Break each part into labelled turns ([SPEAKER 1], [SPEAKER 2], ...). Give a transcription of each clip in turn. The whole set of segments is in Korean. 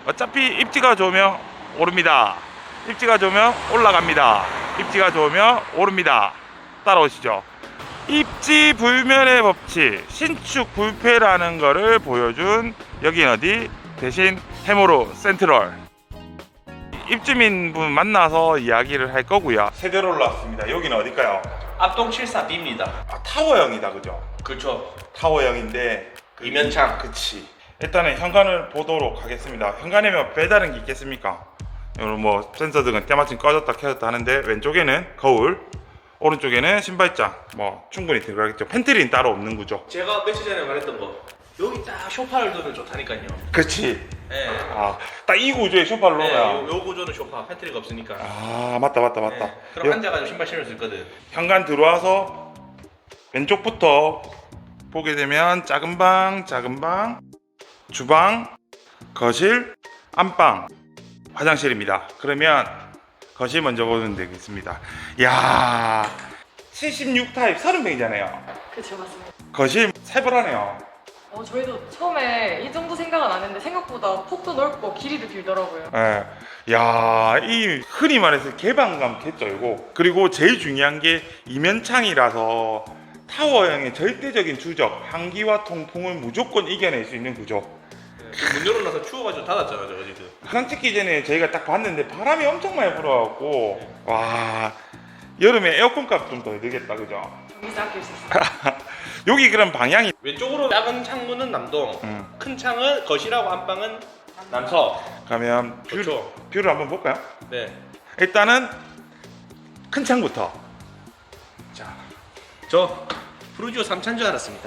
[SPEAKER 1] 어차피 입지가 좋으면 오릅니다. 입지가 좋으면 올라갑니다. 입지가 좋으면 오릅니다. 따라오시죠. 입지 불면의 법칙, 신축 불패라는 거를 보여준 여긴 어디? 대신 해모로 센트럴. 입주민분 만나서 이야기를 할 거고요. 세대로 올라왔습니다. 여기는 어딜까요?
[SPEAKER 2] 앞동 74B입니다.
[SPEAKER 1] 아, 타워형이다, 그죠?
[SPEAKER 2] 그렇죠.
[SPEAKER 1] 타워형인데
[SPEAKER 2] 이면창.
[SPEAKER 1] 그치. 일단은 현관을 보도록 하겠습니다. 현관에면 배다른 게 있겠습니까? 이런 뭐 센서 등은 때마침 꺼졌다 켜졌다 하는데, 왼쪽에는 거울, 오른쪽에는 신발장, 뭐 충분히 들어가겠죠. 팬트리는 따로 없는 구조.
[SPEAKER 2] 제가 며칠 전에 말했던 거, 여기 딱 소파를 두면 좋다니까요.
[SPEAKER 1] 그렇지.
[SPEAKER 2] 네.
[SPEAKER 1] 아, 딱 이 구조에 소파를
[SPEAKER 2] 네,
[SPEAKER 1] 놓으면.
[SPEAKER 2] 요 구조는 소파, 팬트리가 없으니까.
[SPEAKER 1] 아, 맞다.
[SPEAKER 2] 네. 그럼 앉아가지고 신발 신을 수 있거든.
[SPEAKER 1] 현관 들어와서 왼쪽부터 보게 되면 작은 방, 주방, 거실, 안방, 화장실입니다. 그러면 거실 먼저 보면 되겠습니다. 이야, 76 타입 30평이잖아요.
[SPEAKER 3] 그쵸, 맞습니다.
[SPEAKER 1] 거실 세벌하네요.
[SPEAKER 3] 저희도 처음에 이 정도 생각은 안 했는데 생각보다 폭도 넓고 길이도 길더라고요.
[SPEAKER 1] 예. 야, 이 흔히 말해서 개방감 개쩔고, 그리고 제일 중요한 게 이면창이라서 타워형의 절대적인 주적, 한기와 통풍을 무조건 이겨낼 수 있는 구조.
[SPEAKER 2] 문 열어놔서 추워가지고 닫았잖아, 저거 지금.
[SPEAKER 1] 화장 찍기 전에 저희가 딱 봤는데 바람이 엄청 많이 불어갖고, 와, 여름에 에어컨 값 좀 더 들겠다, 그죠?
[SPEAKER 3] 전기세 아낄 수 있어요.
[SPEAKER 1] 여기 그럼 방향이
[SPEAKER 2] 왼쪽으로 작은 창문은 남동, 큰 창은 거실하고 안방은 남서.
[SPEAKER 1] 가면
[SPEAKER 2] 그렇죠.
[SPEAKER 1] 뷰를 한번 볼까요?
[SPEAKER 2] 네.
[SPEAKER 1] 일단은 큰 창부터. 자,
[SPEAKER 2] 저 프루지오 3차인 줄 알았습니다.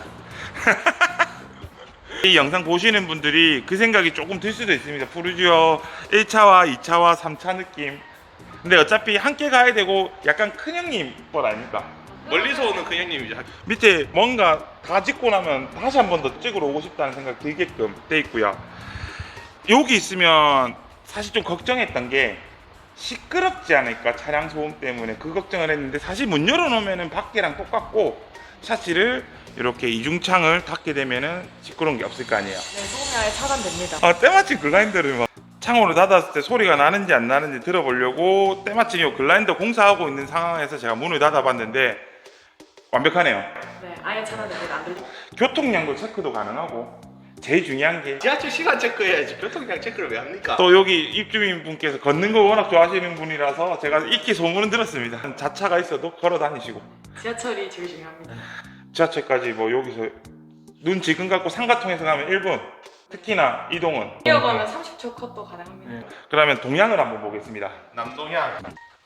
[SPEAKER 1] 이 영상 보시는 분들이 그 생각이 조금 들 수도 있습니다. 푸르지오 1차와 2차와 3차 느낌. 근데 어차피 함께 가야 되고 약간 큰형님 뻘 아닙니까?
[SPEAKER 2] 멀리서 오는 그 형님이죠.
[SPEAKER 1] 밑에 뭔가 다 짓고 나면 다시 한 번 더 찍으러 오고 싶다는 생각 들게끔 돼 있고요. 여기 있으면 사실 좀 걱정했던 게 시끄럽지 않을까, 차량 소음 때문에 그 걱정을 했는데, 사실 문 열어놓으면 밖이랑 똑같고 샤시를 이렇게 이중창을 닫게 되면은 시끄러운 게 없을 거 아니에요.
[SPEAKER 3] 네, 소음이 아예 차단됩니다.
[SPEAKER 1] 아, 때마침 글라인더를 막 창호를 닫았을 때 소리가 나는지 안 나는지 들어보려고 때마침 이 글라인더 공사하고 있는 상황에서 제가 문을 닫아봤는데 완벽하네요.
[SPEAKER 3] 네, 아예 차단됩니다. 안 들려.
[SPEAKER 1] 교통량도 체크도 가능하고, 제일 중요한 게
[SPEAKER 2] 지하철 시간 체크해야지 교통량 체크를 왜 합니까?
[SPEAKER 1] 또 여기 입주민 분께서 걷는 거 워낙 좋아하시는 분이라서 제가 익히 소문은 들었습니다. 자차가 있어도 걸어 다니시고,
[SPEAKER 3] 지하철이 제일 중요합니다.
[SPEAKER 1] 지하철까지 뭐 여기서 눈 지금 갖고 상가통에서 가면 1분, 특히나 이동은.
[SPEAKER 3] 뛰어가면 30초 컷도 가능합니다.
[SPEAKER 1] 그러면 동향을 한번 보겠습니다.
[SPEAKER 2] 남동향.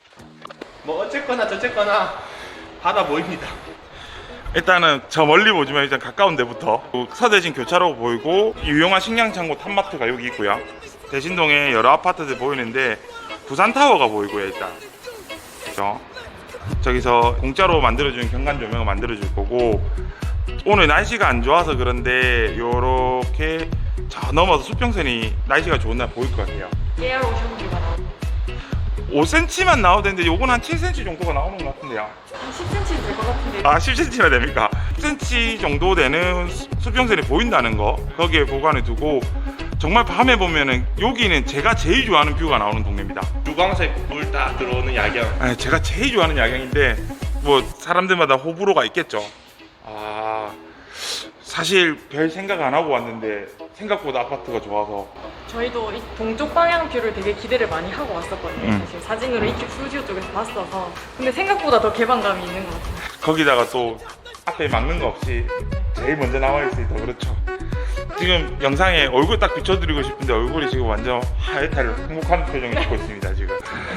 [SPEAKER 2] 뭐 어쨌거나 저쨌거나 바다 보입니다.
[SPEAKER 1] 일단은 저 멀리 보지만 일단 가까운 데부터 서대신 교차로 보이고, 유용한 식량창고 탑마트가 여기 있고요. 대신동에 여러 아파트들 보이는데 부산타워가 보이고요. 일단 그죠? 저기서 공짜로 만들어주는 경관 조명을 만들어줄 거고, 오늘 날씨가 안 좋아서 그런데 요렇게 저 넘어서 수평선이 날씨가 좋은 날 보일 것 같아요.
[SPEAKER 3] 깨알 오션뷰가 나옵니다.
[SPEAKER 1] 5cm만 나오는데 요건 한 7cm 정도가 나오는 것 같은데요.
[SPEAKER 3] 한 10cm 될 것 같은데.
[SPEAKER 1] 아, 10cm나 됩니까? 10cm 정도 되는 수평선이 보인다는 거, 거기에 보관해 두고, 정말 밤에 보면은 여기는 제가 제일 좋아하는 뷰가 나오는 동네입니다.
[SPEAKER 2] 주광색 물 딱 들어오는 야경.
[SPEAKER 1] 제가 제일 좋아하는 야경인데 뭐 사람들마다 호불호가 있겠죠. 아, 사실 별 생각 안 하고 왔는데 생각보다 아파트가 좋아서.
[SPEAKER 3] 저희도 이 동쪽 방향 뷰를 되게 기대를 많이 하고 왔었거든요. 사실 사진으로 이쪽 프루지오 쪽에서 봤어서. 근데 생각보다 더 개방감이 있는 것 같아요.
[SPEAKER 1] 거기다가 또 앞에 막는 거 없이 제일 먼저 나와 있으니 더 그렇죠. 지금 영상에 얼굴 딱 비춰드리고 싶은데 얼굴이 지금 완전 하얗게 행복한 표정을 짓고 있습니다 지금.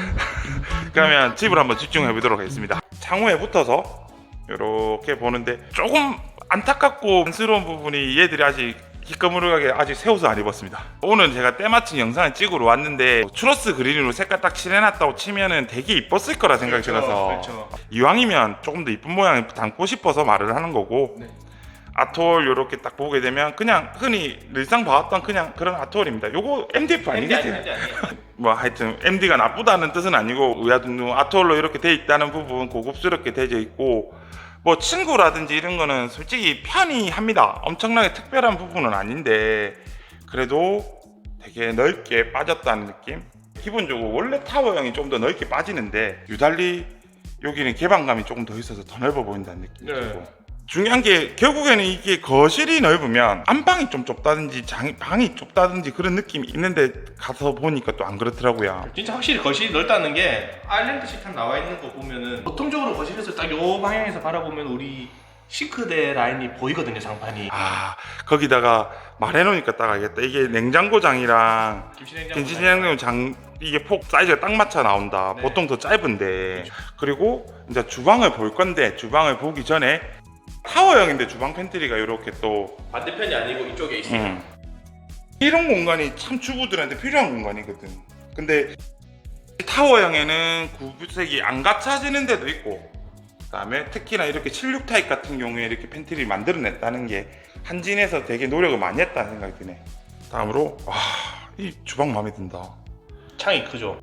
[SPEAKER 1] 그러면 집을 한번 집중해 보도록 하겠습니다. 창호에 붙어서 이렇게 보는데 조금 안타깝고 안쓰러운 부분이, 얘들이 아직 기꺼무르하게 아직 새 옷을 안 입었습니다. 오늘 제가 때마침 영상을 찍으러 왔는데 추러스 그린으로 색깔 딱 칠해놨다고 치면은 되게 이뻤을 거라 생각이 들어서,
[SPEAKER 2] 그렇죠.
[SPEAKER 1] 이왕이면 조금 더 이쁜 모양을 담고 싶어서 말을 하는 거고,
[SPEAKER 2] 네.
[SPEAKER 1] 아트홀 이렇게 딱 보게 되면 그냥 흔히 늘상 봐왔던 그냥 그런 아트홀입니다. 요거 MDF 아니겠지?
[SPEAKER 2] 아니에요.
[SPEAKER 1] 뭐 하여튼 MD가 나쁘다는 뜻은 아니고, 의아둥둥 아트홀로 이렇게 돼 있다는 부분 고급스럽게 되어 있고, 뭐 친구라든지 이런 거는 솔직히 편히 합니다. 엄청나게 특별한 부분은 아닌데 그래도 되게 넓게 빠졌다는 느낌. 기본적으로 원래 타워형이 좀 더 넓게 빠지는데 유달리 여기는 개방감이 조금 더 있어서 더 넓어 보인다는 느낌이
[SPEAKER 2] 네.
[SPEAKER 1] 들고, 중요한 게 결국에는 이게 거실이 넓으면 안방이 좀 좁다든지 방이 좁다든지 그런 느낌이 있는데 가서 보니까 또 안 그렇더라고요.
[SPEAKER 2] 진짜 확실히 거실이 넓다는 게 아일랜드 식탁 나와 있는 거 보면은 보통적으로 거실에서 딱 요 방향에서 바라보면 우리 싱크대 라인이 보이거든요, 상판이.
[SPEAKER 1] 아, 거기다가 말해놓으니까 딱 알겠다. 이게 냉장고장이랑 김치냉장고장 이게 폭 사이즈가 딱 맞춰 나온다.
[SPEAKER 2] 네.
[SPEAKER 1] 보통 더 짧은데. 그리고 이제 주방을 볼 건데, 주방을 보기 전에 타워형인데 주방 팬트리가 이렇게 또
[SPEAKER 2] 반대편이 아니고 이쪽에 있어요.
[SPEAKER 1] 이런 공간이 참 주부들한테 필요한 공간이거든. 근데 타워형에는 구색이 안 갖춰지는 데도 있고, 그다음에 특히나 이렇게 76 타입 같은 경우에 이렇게 팬트리를 만들어냈다는 게 한진에서 되게 노력을 많이 했다는 생각이 드네. 다음으로 와, 이 주방 마음에 든다.
[SPEAKER 2] 창이 크죠.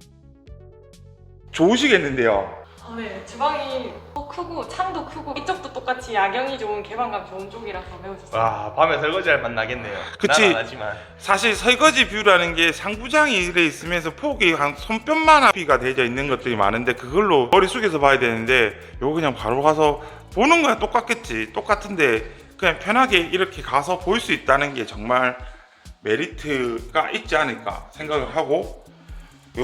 [SPEAKER 1] 좋으시겠는데요.
[SPEAKER 3] 네, 주방이 크고 창도 크고 이쪽도 똑같이 야경이 좋은 개방감 좋은 쪽이라서 매우 좋습니다.
[SPEAKER 2] 와, 밤에 설거지할 맛 나겠네요.
[SPEAKER 1] 그치.
[SPEAKER 2] 난 안 하지만.
[SPEAKER 1] 사실 설거지 뷰라는 게 상부장이 이래 있으면서 폭이 한 손뼉만 비가 되어 있는 것들이 많은데 그걸로 머리 숙여서 봐야 되는데 요거 그냥 바로 가서 보는 거야. 똑같겠지. 똑같은데 그냥 편하게 이렇게 가서 볼 수 있다는 게 정말 메리트가 있지 않을까 생각을 하고, 이야,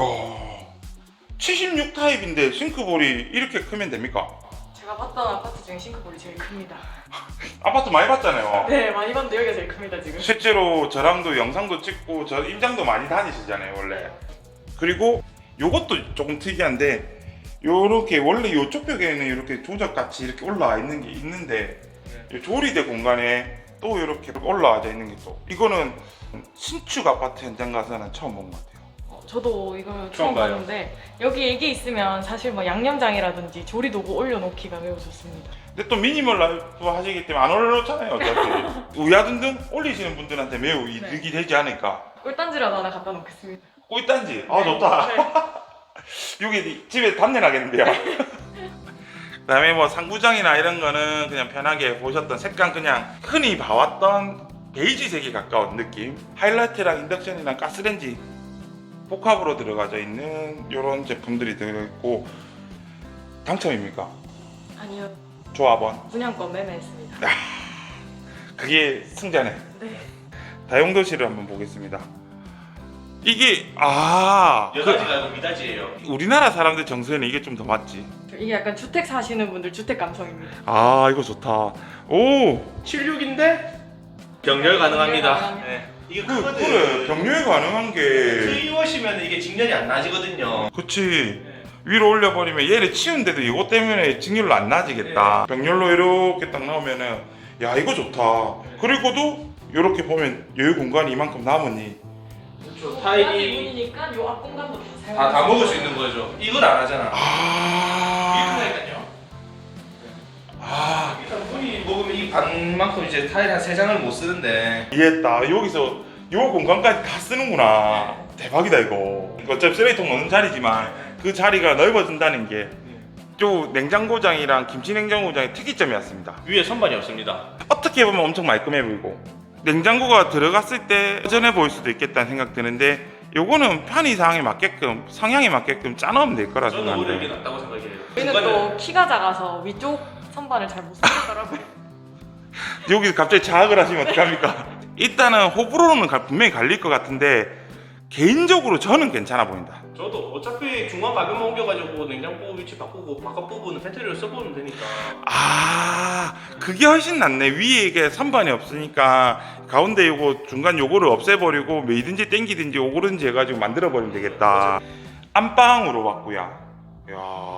[SPEAKER 1] 76 타입인데 싱크볼이 이렇게 크면 됩니까?
[SPEAKER 3] 제가 봤던 아파트 중에 싱크볼이 제일 큽니다.
[SPEAKER 1] 아파트 많이 봤잖아요.
[SPEAKER 3] 네, 많이 봤는데 여기가 제일 큽니다 지금.
[SPEAKER 1] 실제로 저랑도 영상도 찍고 저 임장도 많이 다니시잖아요 원래. 그리고 요것도 조금 특이한데, 요렇게 원래 요쪽 벽에는 이렇게 조적같이 이렇게 올라와 있는 게 있는데 요 조리대 공간에 또 이렇게 올라와져 있는 게 또, 이거는 신축 아파트 현장 가서는 처음 본 것 같아요.
[SPEAKER 3] 저도 이걸
[SPEAKER 2] 처음
[SPEAKER 3] 처음
[SPEAKER 2] 봐요.
[SPEAKER 3] 봤는데 여기 이게 있으면 사실 뭐 양념장이라든지 조리도구 올려놓기가 매우 좋습니다.
[SPEAKER 1] 근데 또 미니멀 라이프 하시기 때문에 안 올려놓잖아요 어차피. 우야든든 올리시는 분들한테 매우 이득이 되지 않을까.
[SPEAKER 3] 꿀단지라도 하나 갖다 놓겠습니다.
[SPEAKER 1] 꿀단지, 아
[SPEAKER 3] 네.
[SPEAKER 1] 좋다.
[SPEAKER 3] 네.
[SPEAKER 1] 여기 집에 담내 나겠는데요. 그다음에 뭐 상부장이나 이런 거는 그냥 편하게 보셨던 색감, 그냥 흔히 봐왔던 베이지색에 가까운 느낌. 하이라이트랑 인덕션이랑 가스레인지 복합으로 들어가져 있는 이런 제품들이 들어있고. 당첨입니까?
[SPEAKER 3] 아니요,
[SPEAKER 1] 조합원.
[SPEAKER 3] 분양권 매매했습니다.
[SPEAKER 1] 그게 승자네.
[SPEAKER 3] 네.
[SPEAKER 1] 다용도실을 한번 보겠습니다. 이게
[SPEAKER 2] 여자지가 아니고 미닫이에요.
[SPEAKER 1] 우리나라 사람들 정서에는 이게 좀 더 맞지.
[SPEAKER 3] 이게 약간 주택 사시는 분들 주택 감성입니다.
[SPEAKER 1] 아, 이거 좋다. 오,
[SPEAKER 2] 76인데 병렬 가능합니다.
[SPEAKER 3] 가능합니다.
[SPEAKER 2] 네. 이게
[SPEAKER 1] 그래,
[SPEAKER 2] 크거든.
[SPEAKER 1] 병렬 가능한 게.
[SPEAKER 2] 트이워시면 이게 직렬이 안 나지거든요.
[SPEAKER 1] 그치. 위로 올려버리면 얘를 치운데도 이거 때문에 직렬로 안 나지겠다. 병렬로 이렇게 딱 나오면은, 야, 이거 좋다. 그리고도 이렇게 보면 여유 공간이 이만큼 남으니.
[SPEAKER 2] 그렇죠.
[SPEAKER 3] 타일이
[SPEAKER 2] 타일이
[SPEAKER 3] 문이니까 요 앞 공간도
[SPEAKER 2] 다 먹을 수 있는 거죠. 이건 안 하잖아.
[SPEAKER 1] 아,
[SPEAKER 2] 이거니까요.
[SPEAKER 1] 아,
[SPEAKER 2] 일단 문이 먹으면 이 반만큼 이제 타일 한 3장을 못 쓰는데.
[SPEAKER 1] 이해했다. 여기서 요 공간까지 다 쓰는구나. 대박이다 이거. 어차피 쓰레기통 넣는 자리지만 그 자리가 넓어진다는 게 또 냉장고장이랑 김치냉장고장의 특이점이었습니다.
[SPEAKER 2] 위에 선반이 없습니다.
[SPEAKER 1] 어떻게 보면 엄청 말끔해 보이고 냉장고가 들어갔을 때 허전해 보일 수도 있겠다는 생각 드는데, 요거는 편의상에 맞게끔, 성향에 맞게끔 짜놓으면 될 거라
[SPEAKER 2] 저는 오히려 이게
[SPEAKER 1] 생각하는데.
[SPEAKER 2] 낫다고 생각해요.
[SPEAKER 3] 저희는 또 키가 작아서 위쪽 선반을 잘 못 쓰겠더라고요.
[SPEAKER 1] 여기 갑자기 자학을 하시면 어떡합니까? 일단은 호불호는 분명히 갈릴 것 같은데 개인적으로 저는 괜찮아 보인다.
[SPEAKER 2] 저도 어차피 중간 가격만 옮겨가지고 냉장고 위치 바꾸고 바깥 부분은 팬트리를 써보면 되니까.
[SPEAKER 1] 아, 그게 훨씬 낫네. 위에 이게 선반이 없으니까 가운데 요거 중간 요거를 없애버리고 뭐이든지 땡기든지 오그든지 해가지고 만들어버리면 되겠다. 안방으로 봤고요. 이야,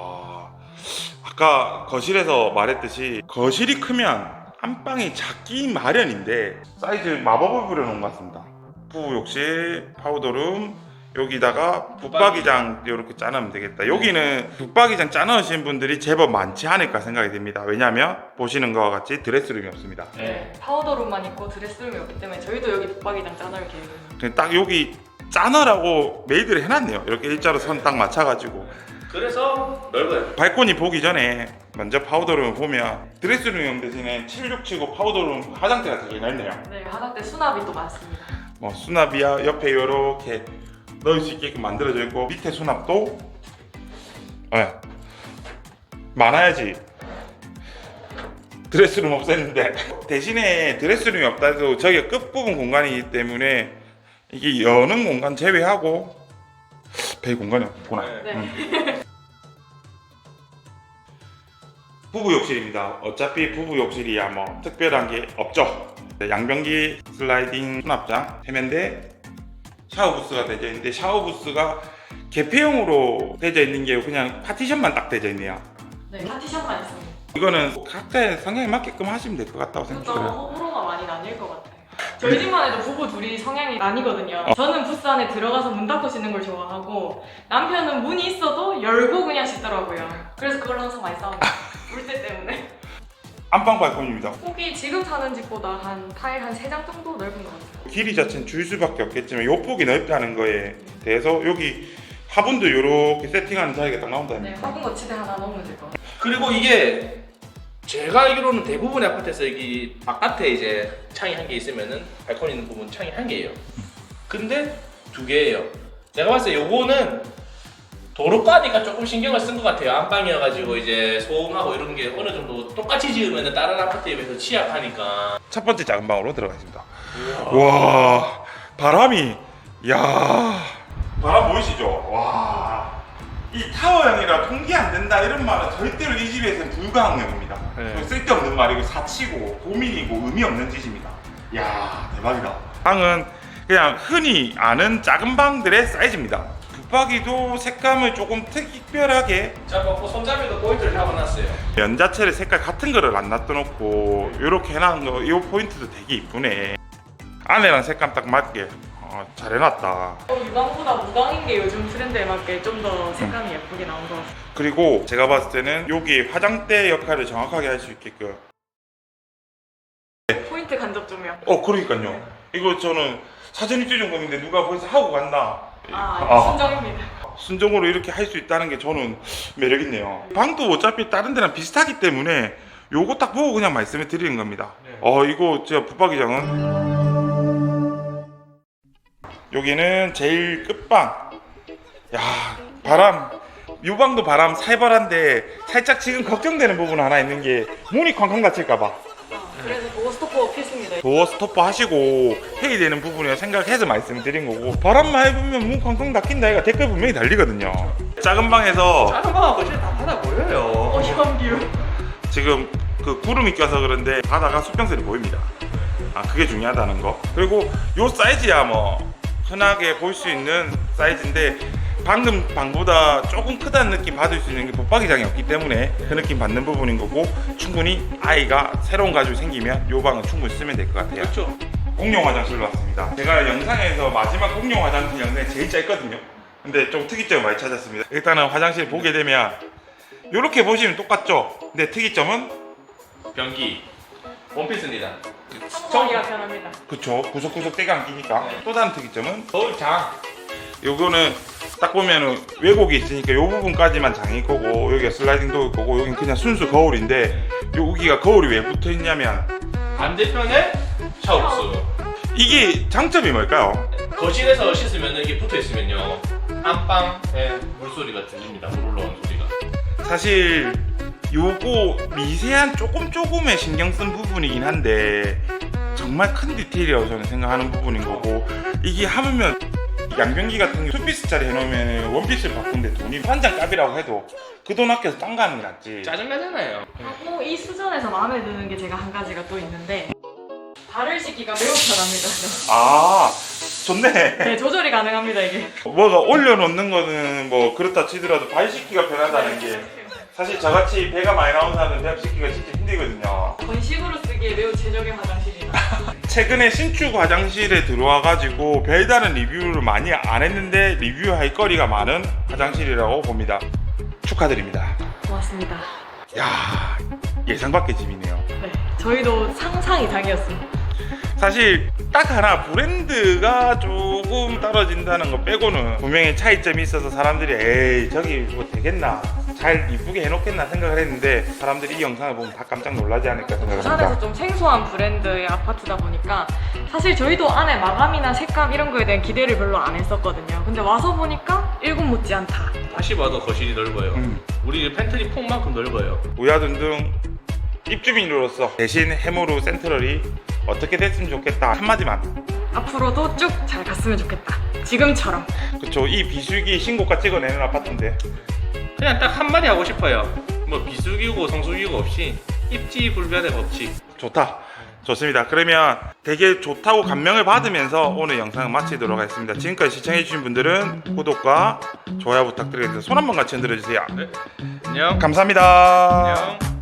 [SPEAKER 1] 아까 거실에서 말했듯이 거실이 크면 안방이 작기 마련인데 사이즈 마법을 부려놓은 것 같습니다. 부욕실, 파우더룸, 여기다가 붙박이장 이렇게 짜놓으면 되겠다. 여기는 붙박이장 짜놓으신 분들이 제법 많지 않을까 생각이 듭니다. 왜냐하면 보시는 것과 같이 드레스룸이 없습니다.
[SPEAKER 3] 네, 파우더룸만 있고 드레스룸이 없기 때문에 저희도 여기 붙박이장 짜놓을 계획입니다.
[SPEAKER 1] 그냥 딱 여기 짜놓으라고 메이드를 해놨네요. 이렇게 일자로 선 딱 맞춰가지고.
[SPEAKER 2] 그래서 넓어요.
[SPEAKER 1] 발코니 보기 전에 먼저 파우더룸을 보면 드레스룸이 없는 대신에 76치고 파우더룸 화장대가 되게 넓네요.
[SPEAKER 3] 네, 화장대 수납이 또 많습니다.
[SPEAKER 1] 뭐 수납이야 옆에 이렇게 넣을 수 있게끔 만들어져 있고 밑에 수납도 많아야지 드레스룸 없앴는데 대신에 드레스룸이 없다 해도 저기가 끝부분 공간이기 때문에 이게 여는 공간 제외하고 별 공간이 없구나.
[SPEAKER 3] 네.
[SPEAKER 1] 부부 욕실입니다. 어차피 부부 욕실이야 뭐 특별한 게 없죠. 양변기 슬라이딩 수납장, 세면대, 샤워 부스가 되어 있는데 샤워 부스가 개폐형으로 되어 있는 게 그냥 파티션만 딱 되어 있네요.
[SPEAKER 3] 네, 파티션만 있습니다.
[SPEAKER 1] 이거는 각자의 성향에 맞게끔 하시면 될 것 같다고
[SPEAKER 3] 그렇죠.
[SPEAKER 1] 생각해요.
[SPEAKER 3] 호불호가 많이 나뉠 것 같아요. 저희 집만 해도 부부 둘이 성향이 나뉘거든요. 저는 부스 안에 들어가서 문 닫고 씻는 걸 좋아하고 남편은 문이 있어도 열고 그냥 씻더라고요. 그래서 그걸 항상 많이 싸웁니다. 물때 때문에.
[SPEAKER 1] 안방 발코니입니다.
[SPEAKER 3] 폭이 지금 사는 집보다 한 타일 한 3장 정도 넓은 것 같아요.
[SPEAKER 1] 길이 자체는 줄 수밖에 없겠지만 요 폭이 넓다는 거에 대해서 여기 화분도 이렇게 세팅하는 자리가 딱 나온다는
[SPEAKER 3] 네,
[SPEAKER 1] 거예요.
[SPEAKER 3] 화분 거치대 하나 넣으면 될 것 같아요.
[SPEAKER 2] 그리고 이게 제가 알기로는 대부분의 아파트에서 여기 바깥에 이제 창이 한 개 있으면은 발코니 있는 부분 창이 한 개예요. 근데 2개예요. 내가 봤을 때 요거는 도로가니까 조금 신경을 쓴 것 같아요. 안방이어가지고 이제 소음하고 이런 게 어느 정도 똑같이 지으면은 다른 아파트에 비해서 취약하니까.
[SPEAKER 1] 첫 번째 작은 방으로 들어가겠습니다. 와 바람이 야 바람 보이시죠? 와 이 타워형이라 통기 안 된다 이런 말은 절대로 이 집에서는 불가항력입니다.
[SPEAKER 2] 네.
[SPEAKER 1] 쓸데없는 말이고 사치고 고민이고 의미 없는 짓입니다. 야 대박이다. 방은 그냥 흔히 아는 작은 방들의 사이즈입니다. 붙박이도 색감을 조금 특별하게
[SPEAKER 2] 자, 뭐 손잡이도 포인트를 잡아놨어요.
[SPEAKER 1] 면 자체를 색깔 같은 거를 안 놔둬놓고 이렇게 해놓은 거 이 포인트도 되게 이쁘네. 안에랑 색감 딱 맞게 잘 해놨다.
[SPEAKER 3] 유광보다 무광인 게 요즘 트렌드에 맞게 좀 더 색감이 예쁘게 나온 것 같아요.
[SPEAKER 1] 그리고 제가 봤을 때는 여기 화장대 역할을 정확하게 할 수 있게끔
[SPEAKER 3] 포인트 간접 조명.
[SPEAKER 1] 그러니까요. 이거 저는 사전 입주 점검인데 누가 벌써 하고 갔나.
[SPEAKER 3] 순정입니다.
[SPEAKER 1] 순정으로 이렇게 할 수 있다는 게 저는 매력있네요. 방도 어차피 다른 데랑 비슷하기 때문에 요거 딱 보고 그냥 말씀을 드리는 겁니다.
[SPEAKER 2] 네.
[SPEAKER 1] 이거 진짜 붙박이장은 여기는 제일 끝방. 야 바람 요 방도 바람 살벌한데 살짝 지금 걱정되는 부분 하나 있는 게 문이 쾅쾅 닫힐까봐
[SPEAKER 3] 그래서 도어 스토퍼 필수입니다.
[SPEAKER 1] 도어 스토퍼 하시고 회의되는 부분이라 생각해서 말씀드린 거고 바람만 해보면 문 쾅쾅 닫힌다 얘가 댓글 분명히 달리거든요. 작은 방에서
[SPEAKER 2] 작은 방하고 진짜 다 하나 보여요.
[SPEAKER 3] 현뷰.
[SPEAKER 1] 지금 그 구름이 껴서 그런데 바다가 수평선이 보입니다. 그게 중요하다는 거. 그리고 요 사이즈야 뭐 흔하게 볼 수 있는 사이즈인데 방금 방보다 조금 크다는 느낌 받을 수 있는 게 붙박이장이 없기 때문에 그 느낌 받는 부분인 거고 충분히 아이가 새로운 가족이 생기면 요 방은 충분히 쓰면 될 것 같아요.
[SPEAKER 2] 그렇죠.
[SPEAKER 1] 공용 화장실로 왔습니다. 제가 영상에서 마지막 공용 화장실 영상이 제일 짧거든요. 근데 좀 특이점을 많이 찾았습니다. 일단은 화장실 보게 되면 이렇게 보시면 똑같죠? 근데 특이점은
[SPEAKER 2] 변기 원피스입니다.
[SPEAKER 3] 청소하기가 편합니다.
[SPEAKER 1] 그쵸, 구석구석 때가 안 끼니까. 또 다른 특이점은
[SPEAKER 2] 거울장.
[SPEAKER 1] 요거는 딱 보면은 왜곡이 있으니까 요 부분까지만 장일 거고 여기가 슬라이딩 도어일 거고 여긴 그냥 순수 거울인데 여기가 거울이 왜 붙어 있냐면
[SPEAKER 2] 반대편에 샤워부스.
[SPEAKER 1] 이게 장점이 뭘까요?
[SPEAKER 2] 거실에서 씻으면 이게 붙어 있으면요 안방에 물소리가 들립니다. 물 올라오는 소리가.
[SPEAKER 1] 사실 요거 미세한 조금의 신경 쓴 부분이긴 한데 정말 큰 디테일이라고 저는 생각하는 부분인 거고 이게 하면 양변기 같은 게 투피스짜리 해놓으면 원피스를 바꾼데 돈이 환장 값이라고 해도 그 돈 아껴서 딴 거 하는 게 낫지.
[SPEAKER 2] 짜증나잖아요.
[SPEAKER 3] 하고 이 수전에서 마음에 드는 게 제가 한 가지가 또 있는데 발을 씻기가 매우 편합니다.
[SPEAKER 1] 좋네.
[SPEAKER 3] 네, 조절이 가능합니다 이게.
[SPEAKER 1] 뭐가 올려놓는 거는 뭐 그렇다 치더라도 발 씻기가 편하다는 게 사실 저같이 배가 많이 나온 사람은 배 씻기가 진짜 힘들거든요.
[SPEAKER 3] 건식으로 쓰기에 매우 최적의 화장실이다.
[SPEAKER 1] 최근에 신축 화장실에 들어와가지고 별다른 리뷰를 많이 안 했는데 리뷰할 거리가 많은 화장실이라고 봅니다. 축하드립니다.
[SPEAKER 3] 고맙습니다.
[SPEAKER 1] 야 예상 밖의 집이네요.
[SPEAKER 3] 네, 저희도 상상 이상이었습니다.
[SPEAKER 1] 사실 딱 하나 브랜드가 조금 떨어진다는 거 빼고는 분명히 차이점이 있어서 사람들이 에이 저기 뭐 되겠나 잘 이쁘게 해놓겠나 생각을 했는데 사람들이 이 영상을 보면 다 깜짝 놀라지 않을까 생각을
[SPEAKER 3] 부산에서
[SPEAKER 1] 합니다.
[SPEAKER 3] 좀 생소한 브랜드의 아파트다 보니까 사실 저희도 안에 마감이나 색감 이런 거에 대한 기대를 별로 안 했었거든요. 근데 와서 보니까 1군 못지않다.
[SPEAKER 2] 다시 봐도 거실이 넓어요. 우리 팬트리 폭만큼 넓어요.
[SPEAKER 1] 우야둔둥 입주민으로서 대신 해무루 센트럴이 어떻게 됐으면 좋겠다 한마디만.
[SPEAKER 3] 앞으로도 쭉 잘 갔으면 좋겠다. 지금처럼.
[SPEAKER 1] 그쵸, 이 비수기 신고가 찍어내는 아파트인데
[SPEAKER 2] 그냥 딱 한마디 하고 싶어요. 뭐 비수기고 성수기고 없이 입지 불변의 법칙.
[SPEAKER 1] 좋다. 좋습니다. 그러면 되게 좋다고 감명을 받으면서 오늘 영상을 마치도록 하겠습니다. 지금까지 시청해주신 분들은 구독과 좋아요 부탁드리겠습니다. 손 한번 같이 흔들어주세요.
[SPEAKER 2] 네. 안녕.
[SPEAKER 1] 감사합니다.
[SPEAKER 2] 안녕.